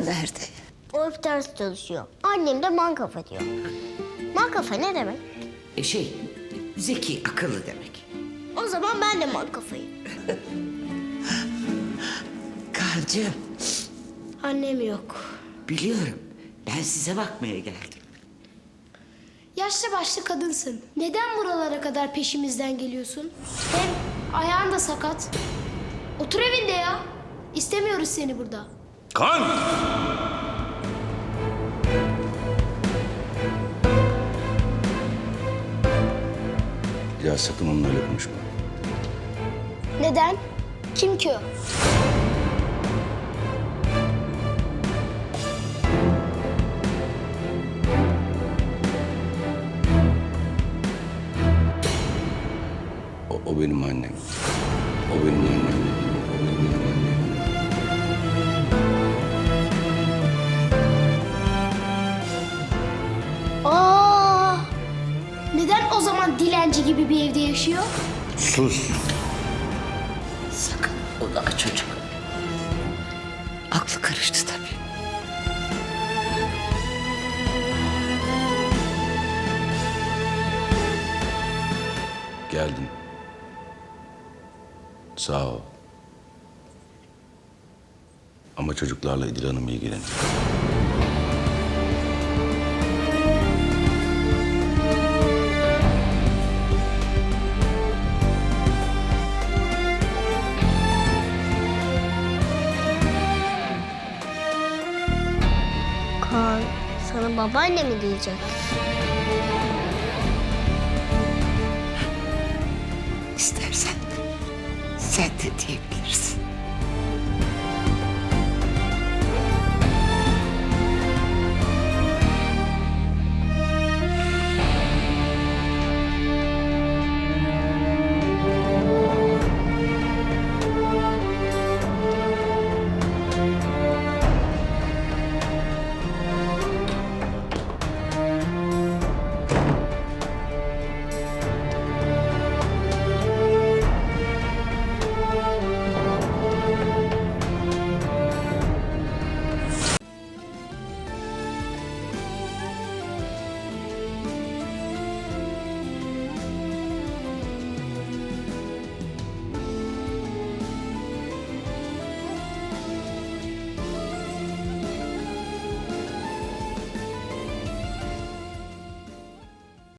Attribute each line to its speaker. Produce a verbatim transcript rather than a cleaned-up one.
Speaker 1: nerede?
Speaker 2: O hep ders çalışıyor. Annem de mankafa diyor. Mankafa ne demek?
Speaker 1: E şey, zeki, akıllı demek.
Speaker 2: O zaman ben de mankafayım.
Speaker 1: Kaan'cığım,
Speaker 2: Annem yok.
Speaker 1: biliyorum. Ben size bakmaya geldim.
Speaker 3: Yaşlı başlı kadınsın. Neden buralara kadar peşimizden geliyorsun? Hem ayağın da sakat. Otur evinde ya. İstemiyoruz seni burada.
Speaker 4: Kan! Ya sakın onunla öyle konuşma.
Speaker 3: Neden? Kim ki o?
Speaker 4: O, o benim annem. O benim annem. O benim annem.
Speaker 3: Aa! Neden o zaman dilenci gibi bir evde yaşıyor?
Speaker 4: Sus.
Speaker 1: Sakın onu aç çocuk. Aklı karıştı tabii.
Speaker 4: Geldin. Sağ ol. Ama çocuklarla İdil Hanım ilgilenir.
Speaker 2: Kaan sana babaanne mi diyecek?
Speaker 1: İstersen sen de diyebilirsin.